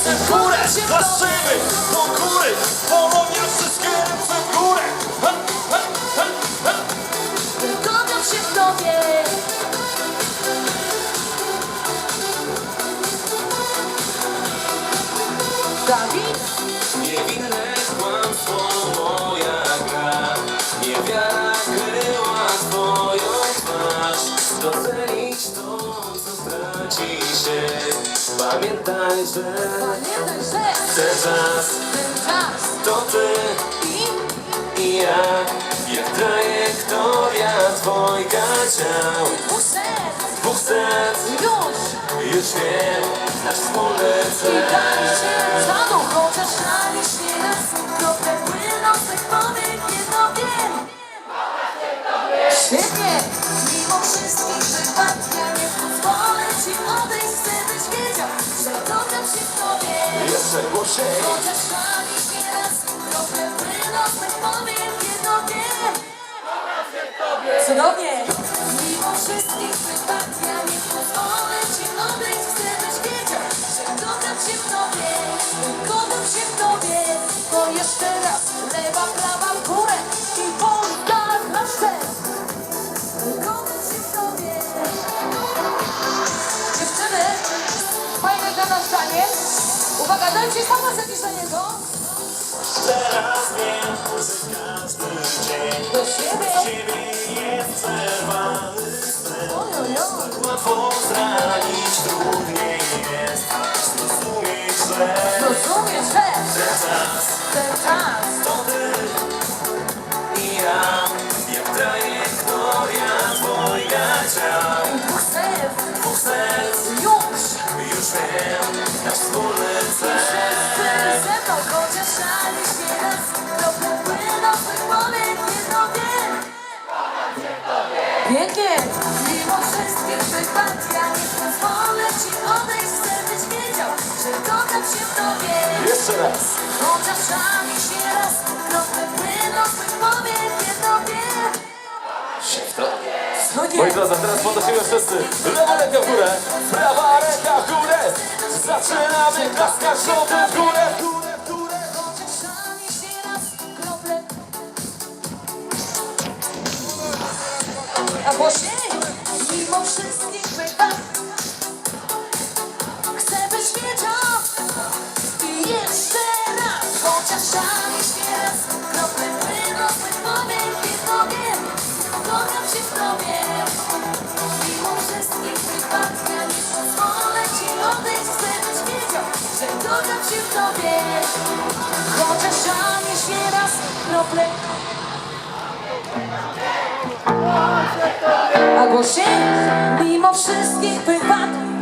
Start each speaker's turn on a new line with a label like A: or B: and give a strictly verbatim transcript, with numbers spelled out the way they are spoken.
A: ręce w górę, laszymy do góry, Polonia, wszystkie ręce w górę. Ha, ha, ha, ha.
B: Kocham się w tobie. Dawid?
A: Niewinne kłamstwo moja gra, niewiara kryła twoją twarz. Docenić to, co traci się, pamiętaj, że
B: Pamiętaj, że
A: ten czas
B: ten czas
A: to ty
B: i
A: i ja, jak trajektoria dwojga ciał.
B: dwóch serc
A: Dwóch serc,
B: już
A: już wiem, nasz wspólny
B: i
A: cel.
B: daj się żadą, chociaż żalisz nieraz. Krople płyną z tych powiek, jedno wiem. Świetnie! Mimo wszystkich wypad, ja nie pozwolę ci odejść. Chcę, byś wiedział, że kocham się w tobie.
A: Jeszcze głośniej.
B: Chociaż żalisz nieraz, krople płyną z tych powiek, jedno wiem. Cudownie! Mimo wszystkich wypad, ja nie pozwolę ci odejść. Chcę, byś wiedział, że kocham się w tobie. Kocham się w tobie. Bo jeszcze raz, lewa, prawa, w górę i Polska na szczyt. Kocham się w tobie. Dziewczyny, fajne dla nas zdanie. Uwaga, dajcie sama jakiś dla niego.
A: Teraz wiem, że każdy dzień
B: Do siebie.
A: ciebie jest przerwany sen.
B: Ojojoj.
A: Łatwo zranić, trudniej jest zrozumieć, że
B: Rozumiesz, że
A: ten czas
B: ten czas
A: to ty i ja, jak trajektoria dwojga ciał.
B: dwóch serc
A: Dwóch serc,
B: już.
A: już wiem, nasz wspólny cel.
B: Wszyscy ze mną, chociaż żalisz nieraz. Krople płyną z tych powiek, jedno wiem. Pięknie! Mimo wszystkich wypad, ja nie pozwolę ci odejść. Chcę, byś wiedział, że kocham się w tobie.
A: Jeszcze raz.
B: Chociaż żalisz nieraz. Krople płyną z tych powiek, jedno wiem.
A: Się w to.
B: No
A: Moi
B: nie.
A: drodzy, teraz podnosimy wszyscy. Lewa ręka w górę, prawa ręka w górę. Zaczynamy klaskać żołty w górę, w górę, w górę.
B: Chociaż żalisz nieraz. Krople. A głośniej! Mimo wszystkich wypad, chcę, byś wiedział. I jeszcze raz, chociaż żalisz nieraz. Krople płyną z tych powiek, jedno wiem. Kocham się w tobie. Mimo wszystkich wypad, ja nie pozwolę ci odejść. Chcę, byś wiedział, że kocham się w tobie. Chociaż żalisz nieraz. Krople. A głośniej, mimo wszystkich wypad,